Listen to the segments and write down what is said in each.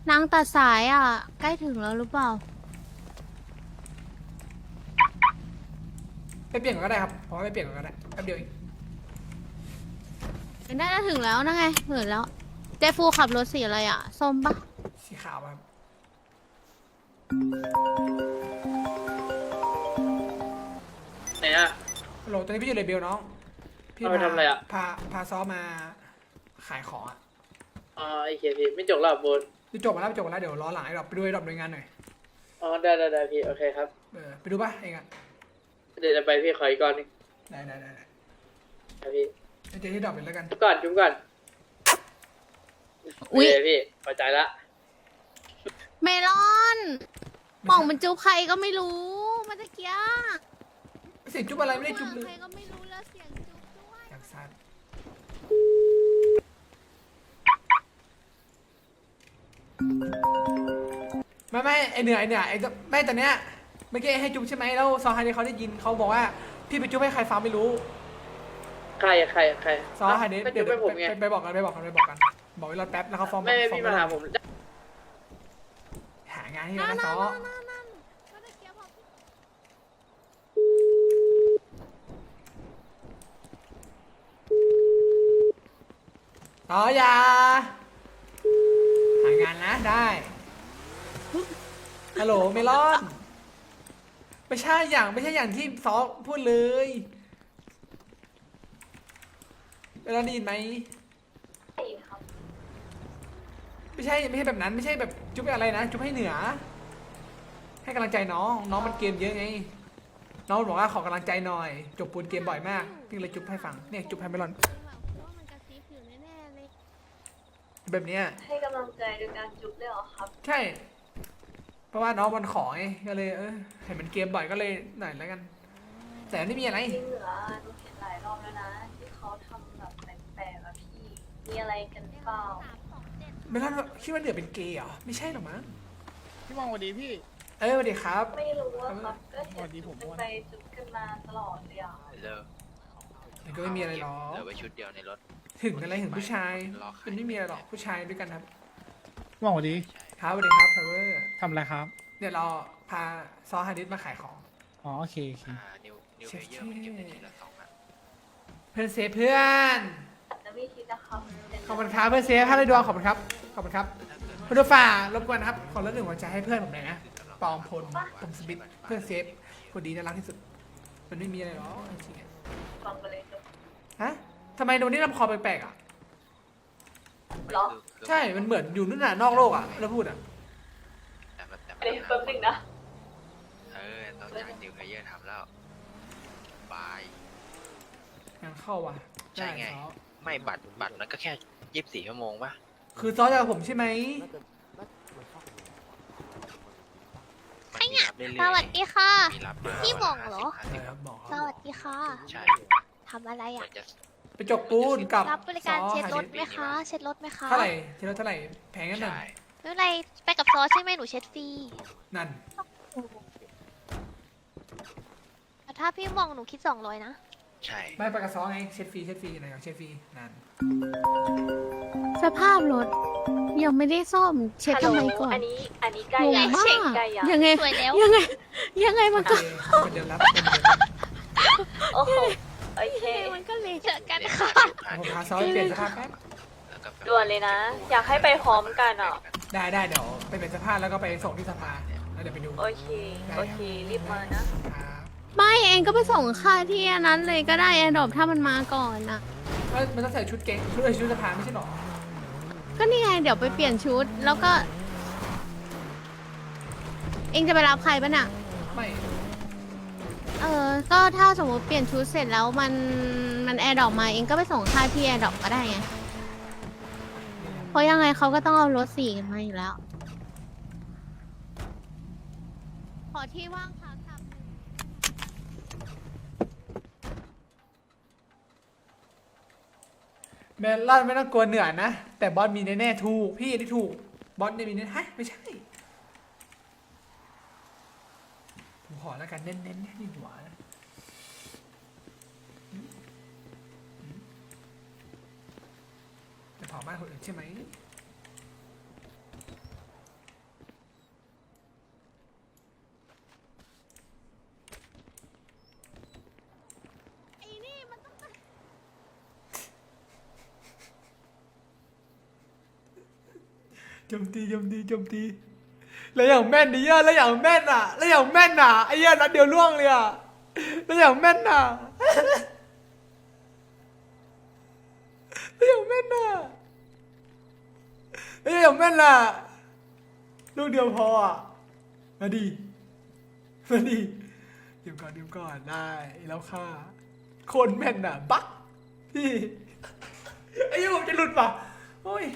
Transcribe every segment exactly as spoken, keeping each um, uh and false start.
นางตัดสายอ่ะ ใกล้ถึงแล้วหรือเปล่าไปเปลี่ยนก่อนก็ได้ครับผมว่าไปเปลี่ยนก่อนก็ได้แป๊บเดียวเองได้จะถึงแล้วนะไงเหินแล้ว เจฟูขับรถสีอะไรอ่ะ ส้มปะสีขาวครับไหนอะฮัลโหลตอนนี้พี่อยู่เลเบลน้องพี่เอาไปพาทำอะไรอะพาพาซ้อมมาขายของอ่ะอ๋อไอเคพี่ไม่จบแล้วบนพี่จบมาแล้วจบมาแล้วเดี๋ยวรอหลังไอ้ดอกไปดูไอ้ดอกหน่วยงานหน่อยอ๋อได้ได้ได้พี่โอเคครับเออไปดูป่ะเองอ่ะเดี๋ยวจะไปพี่ขออีกก่อนหนึงได้ได้ได้ได้ครับพี่ไปเจอที่ดอกเลยแล้วกันจุ๊บก่อนจุ๊บก่อนอุ๊ยโเคพี่พอใจละเมลอนป่องมันจุ๊บใครก็ไม่รู้เมื่อตะกี้เสียงจุ๊บอะไรไม่ได้จุ๊บเลใครยก็ไม่รู้แล้วเสียงจุ๊บด้วยจากซัดไม่ไม่ไอเหนือไอเหนือไอจะไม่ตอนเนี้ยเมื่อกี้ให้จุ๊บใช่ไหมแล้วซอฮาเดเขาได้ยินเขาบอกว่าพี่ไปจุ๊บให้ใครฟังไม่รู้ใครอะใครอะใครซอฮาเดก็เดี๋จุ๊ยวบให้ผมไงไปไปบอกกันไปบอกกันไปบอกกันบอกไว้รอแป๊บแล้วเขาฟ้องไม่ไม่ฟ้องพี่มาหาผมหางานให้นั่นนะนั่ซนอนั่นนั่นเมื่อตะกี้บอกต่อยาหางานนะได้ฮัลโหลเมลอนไม่ใช่อย่างไม่ใช่อย่างที่ซอพูดเลยเมลอนได้ยินไหมไม่ใช่ไม่ใช่แบบนั้นไม่ใช่แบบจุ๊บอะไรนะจุ๊บให้เหนือ ให้กำลังใจน้องน้องมันเกมเยอะไงน้องบอกว่าขอกำลังใจหน่อยจบปูนเกมบ่อยมากพี่เลยจุ๊บให้ฟังเนี่ยจุ๊บให้เมลอนว่ามันกระซิบอยู่แน่ๆเลยแบบเนี้ยให้กำลังใจโดยการจุ๊บเลยเหรอครับใช่ เพราะว่าน้องมันขอไงก็เลยเออเห็นมันเกมบ่อยก็เลยหน่อยแล้วกัน แต่ไม่มีอะไรจริงเหรอหนูเห็นหลายรอบแล้วนะ ที่เขาทำแบบแปลกๆอะพี่ มีอะไรกันเปล่าสามสองเจ็ดไม่รู้ว่าคิดว่าเหนือเป็นเกย์เหรอไม่ใช่หรอกมั้งพี่มองสวัสดีพี่เออสวัสดีครับไม่รู้อะครับ ก็สเห็วัน สดีจุ๊ผบมกันอ้วนไปจุ๊บกันมาตลอดเลยอะเลิกมันก็ไม่มีอะไรหรอกเหลือไว้ชุดเดียวในรถถึงอะไรถึงผู้ชายรอขายมันไม่มีอะไรหรอกผู้ชายด้วยกันครับพี่มองสวัสดีครับสวัสดีครับทาวเวอร์ทำอะไรครับเดี๋ยวเราพาซอฮาดิสมาขายของอ๋อโอเคโอเคอ่านิวนิวเพลเยอร์มันเก็บได้ทีละสองอ่ะเพื่อนเซฟเพื่อนแต่ไม่คิดนะครับเป็นขอบคุณครับเพื่อนเซฟให้เลยดวงขอบคุณครับขอบคุณครับคุณผู้ฝ่ารบกวนนะครับขอเรื่องหนึ่งหัวใจให้เพื่อนผมหน่อยนะปองพลผมสมิธเพื่อนเซฟคนดีน่ารักที่สุดมันไม่มีอะไรหรอกจริงๆอะฟังไปเลยจุ๊บฮะทำไมโดนนี่ลำคอแปลกๆอ่ะเหรอใช่ มันเหมือนอยู่นู่นน่ะนอกโลกอ่ะแล้วพูดอ่ะแต่แบบแต่เดี๋ยวแป๊บนึงนะเออต้องจากนิวเพลเยอร์ทำแล้วบายงานเข้าว่ะใช่ไงด้ซอไม่บัตรบัตรมันก็แค่ยี่สิบสี่ชั่วโมงปะคือซอจะกับผมใช่ไหมมันมีรับเรื่อยๆสวัสดีค่ะมีรับมาพี่บอกเหรอห้าเอสิบอบอกสวัสดีค่ะใช่ทำอะไรมัอ่ะนจะไปจกปูนกับรับบริการซอเช็ดรถหาไหมคะ เช็ดรถไหมคะเท่าไหร่เช็ดรถเท่าไหร่แพงกันหนึ่งใช่ไม่เป็นไรไปกับซอใช่ไหมหนูเช็ดฟรีนั่นแต่ถ้าพี่มองหนูคิดสองร้อยนะใช่ไม่ไปกับซอไงเช็ดฟรีเช็ดฟรีไหนของเช็ดฟรีนั่นสภาพรถยังไม่ได้ซ่อมเช็ดฮัลโหลทำไมก่อนอันนี้ อันนี้ใกล้งยังมากเช็คใกล้ยังยังไงสวยแล้วยังไง ยังไงมันโอก็เคเป็นเดือนรับเป็นเดือนรับโอ้โห โอเคมันก็เลยเจอกันเรียค่ะพาผมนิวพาซอไปเปลี่ยนสภาพแป๊บแล้วก็แบบด่วนเลยนะ อยากให้ไปพร้อมกันอ่ะได้ได้เดี๋ยวไปเปลี่ยนสภาพแล้วก็ไปส่งที่สภาแล้วเดี๋ยวไปดูโอเค โอเค รีบมานะครับไม่เองก็ไปส่งค่าที่อันนั้นเลยก็ได้แอร์ดรอปถ้ามันมาก่อนนะเอ้ยมันต้องใส่ชุดเก่งชุดเอ้ยชุดสภาไม่ใช่หรอก็นี่ไงเดี๋ยวไปเปลี่ยนชุดแล้วก็ เองจะไปรับใครปะเนี่ยไม่เออ ก็ถ้าสมมติเปลี่ยนชุดเสร็จแล้วมันมันแอร์ดรอปมาเองก็ไปส่งค่าที่แอร์ดรอปก็ได้ไง เพราะยังไงเขาก็ต้องเอารถสี่กันมาอยู่แล้ว ขอที่ว่างค่ะครับเมลอนไม่ต้องกลัวเหนื่อยนะ แต่บอสมีแน่ๆถูกพี่ที่ถูกบอสเนี่ยมีแน่ฮะไม่ใช่ผมขอแล้วกันเน้นๆนี่หัวนะอืมอืมจะเผาบ้านคนอื่นใช่ไหมโจมตีโจมตีโจมตีแล้วอย่างแม่นดิเหี้ยแล้วอย่างแม่นอ่ะแล้วอย่างแม่นอ่ะไอ้เหี้ยนัดเดียวล่วงเลยอ่ะแล้วอย่างแม่นอ่ะแล้วอย่างแม่นอ่ะแล้วอย่างแม่นอ่ะลูกเดียวพออ่ะมาดิมาดิเดี๋ยวก่อนเดี๋ยวก่อนได้แล้วค่ะคนแม่นอ่ะบักพี่ไอ้เหี้ยผมจะหลุดป่ะโอ้ย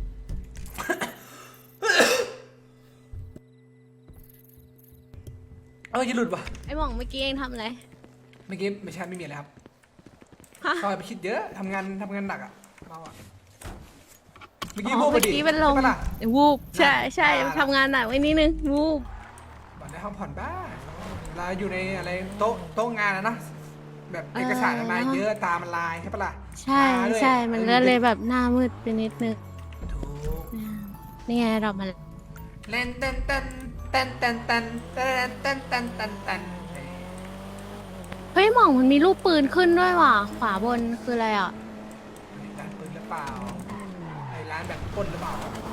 เออจะหลุดว่ะไอ้หม่องเมื่อกี้เองทำอะไรเมื่อกี้ไม่ใช่ไม่มีอะไรครับฮะซอยไปคิดเยอะทำงานทำงานหนักอ่ะเราอ่ะเมื่อกี้อ๋พูอดไปเมื่อดิกี้เป็นลมใช่ปะล่ะวูบใช่ใช่อ่าทำงานหนักไว้นิดนึงวูบบอกได้ห้องผ่อนบ้างเวลาอยู่ในอะไรโต๊ะโต๊ะงานอะนะแบบเอกสารมันมาเยอะตามันลายใช่ปะล่ะใช่ตาด้วยใช่มันออก็เลยแบบหน้ามืดไปนิดนึงถูกนี่ไงเรามาแล้วเล่นเต้นเต้นเต้นเต้นเต้นเต้นเต้นเต้นเต้นเต้นเฮ้ยหม่องมันมีรูปปืนขึ้นด้วยว่ะขวาบนคืออะไรอ่ะร้านปืนหรือเปล่าไอ้ร้านแบบปล้นหรือเปล่า